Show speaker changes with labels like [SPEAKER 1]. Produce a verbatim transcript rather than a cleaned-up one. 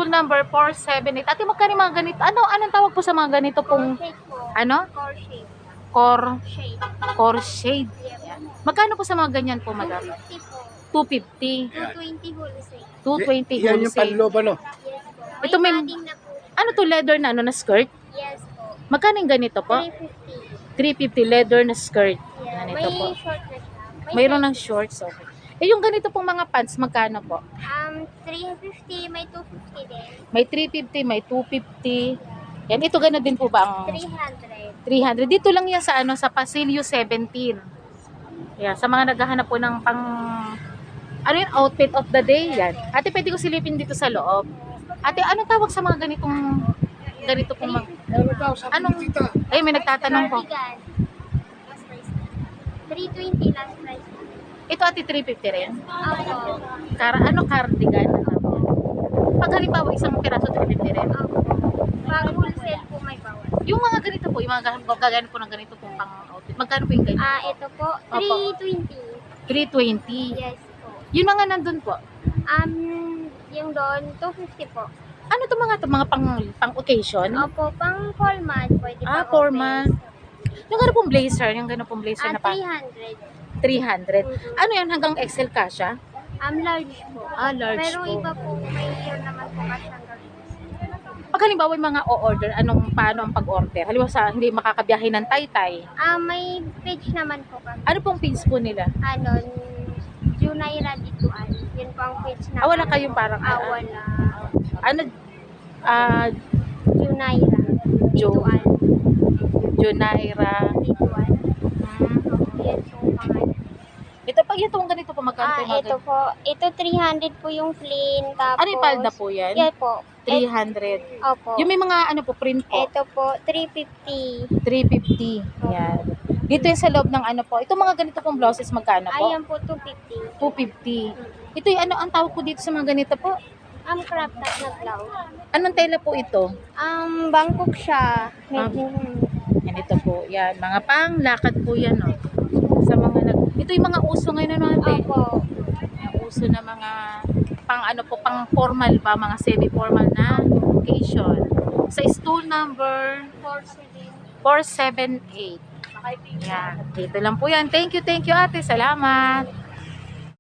[SPEAKER 1] stool number four seven eight. Ate, magkano yung mga ganito? Ano, anong tawag po sa mga ganito pong,
[SPEAKER 2] Core shape po.
[SPEAKER 1] ano?
[SPEAKER 2] Core shape.
[SPEAKER 1] Core,
[SPEAKER 2] Shape.
[SPEAKER 1] core shade.
[SPEAKER 2] Yeah.
[SPEAKER 1] Magkano po sa mga ganyan po, madam?
[SPEAKER 2] two fifty po.
[SPEAKER 1] two fifty.
[SPEAKER 2] two twenty wholesale.
[SPEAKER 1] two twenty
[SPEAKER 3] Yan yung
[SPEAKER 1] wholesale.
[SPEAKER 3] panloob, ano?
[SPEAKER 2] Yes po.
[SPEAKER 1] Ito may-
[SPEAKER 2] padding na po.
[SPEAKER 1] Ano to, leather na ano na skirt?
[SPEAKER 2] Yes po.
[SPEAKER 1] Magkano yung ganito po?
[SPEAKER 2] three fifty.
[SPEAKER 1] three fifty leather na skirt.
[SPEAKER 2] Yeah.
[SPEAKER 1] Ganito
[SPEAKER 2] May
[SPEAKER 1] po.
[SPEAKER 2] short na siya. May
[SPEAKER 1] Mayroon ng
[SPEAKER 2] size.
[SPEAKER 1] shorts, okay. Eh, yung ganito pong mga pants, magkano po?
[SPEAKER 2] Um, three fifty, may two fifty din.
[SPEAKER 1] May three fifty, may two fifty. Yan, ito gano'n din po ba ang
[SPEAKER 2] three hundred.
[SPEAKER 1] three hundred? Dito lang yan sa ano, sa Pasilio seventeen. Yan, sa mga naghahanap po ng pang, ano yun, outfit of the day, yan. Ate, pwede ko silipin dito sa loob. Ate, anong tawag sa mga ganitong, ganito pong mga,
[SPEAKER 3] Ano daw, sabi
[SPEAKER 1] Anong-
[SPEAKER 3] ni tita?
[SPEAKER 1] ay, may nagtatanong po.
[SPEAKER 2] Cardigan. Last price. three twenty last price.
[SPEAKER 1] Ito, ate, three fifty rin.
[SPEAKER 2] Opo.
[SPEAKER 1] Kara, ano, cardigan? Pag halimbawa, isang piraso, three fifty rin.
[SPEAKER 2] Opo. Pag wholesale po may bawal.
[SPEAKER 1] Yung mga ganito po, yung mga gagano po ng ganito pong pang outfit. Magkano po yung ganito?
[SPEAKER 2] Ah, ito po, three twenty.
[SPEAKER 1] three twenty.
[SPEAKER 2] Yes po.
[SPEAKER 1] Yung mga nandun po.
[SPEAKER 2] Um, yung doon, two fifty po.
[SPEAKER 1] Ano to mga to mga pang pang occasion?
[SPEAKER 2] Opo, pang formal, pwede
[SPEAKER 1] Ah,
[SPEAKER 2] pa
[SPEAKER 1] formal. Yung gano'n pong blazer, yung gano'n pong blazer
[SPEAKER 2] Ah,
[SPEAKER 1] na pa
[SPEAKER 2] three hundred.
[SPEAKER 1] three hundred.
[SPEAKER 2] Mhm.
[SPEAKER 1] Ano yan, hanggang X L kasha?
[SPEAKER 2] Um, large po.
[SPEAKER 1] Ah, large
[SPEAKER 2] Pero
[SPEAKER 1] po.
[SPEAKER 2] iba po, may year naman po kasi hanggang
[SPEAKER 1] Pag halimbawa yung mga o-order, anong paano ang pag-order? Halimbawa sa hindi makakabiyahe ng Taytay.
[SPEAKER 2] Ah, may page naman po kami.
[SPEAKER 1] Ano pong pins po nila?
[SPEAKER 2] Ano, Junaira Dituan. Yun po ang page namin.
[SPEAKER 1] Ah, wala kayong parang
[SPEAKER 2] Ah,
[SPEAKER 1] ah,
[SPEAKER 2] wala.
[SPEAKER 1] ano ah
[SPEAKER 2] Junaira
[SPEAKER 1] Jo
[SPEAKER 2] Dituan.
[SPEAKER 1] Junaira.
[SPEAKER 2] Dituan.
[SPEAKER 1] Hmm.
[SPEAKER 2] Yan po pangalan.
[SPEAKER 1] Ito pag ito ang ganito po magkano
[SPEAKER 2] Ah,
[SPEAKER 1] po mga
[SPEAKER 2] ito
[SPEAKER 1] ganito?
[SPEAKER 2] po. Ito three hundred po yung plain. Tapos,
[SPEAKER 1] Ano yung palda po yan?
[SPEAKER 2] Yan po.
[SPEAKER 1] three hundred.
[SPEAKER 2] Et- Opo.
[SPEAKER 1] Yung may mga ano po print po.
[SPEAKER 2] Ito po, three fifty.
[SPEAKER 1] three fifty. Yan. Dito yung sa loob ng ano po. Ito mga ganito pong blouses magkano po?
[SPEAKER 2] Ayan po, two fifty.
[SPEAKER 1] two fifty. Ito yung ano ang tawag po dito sa mga ganito po?
[SPEAKER 2] Ang crop top na blouse.
[SPEAKER 1] Anong tela po ito?
[SPEAKER 2] Um, Bangkok siya.
[SPEAKER 1] Ah.
[SPEAKER 2] Mhm.
[SPEAKER 1] Yan ito po. Yan. Mga panglakad po yan. Oh. Sa mga nag... Ito yung mga uso ngayon ano ate?
[SPEAKER 2] Opo.
[SPEAKER 1] Yung uso na mga pang ano po, pang formal ba? Mga semi-formal na occasion. Sa stool number four seven eight. Yan. Dito lang po yan. Thank you, thank you ate. Salamat.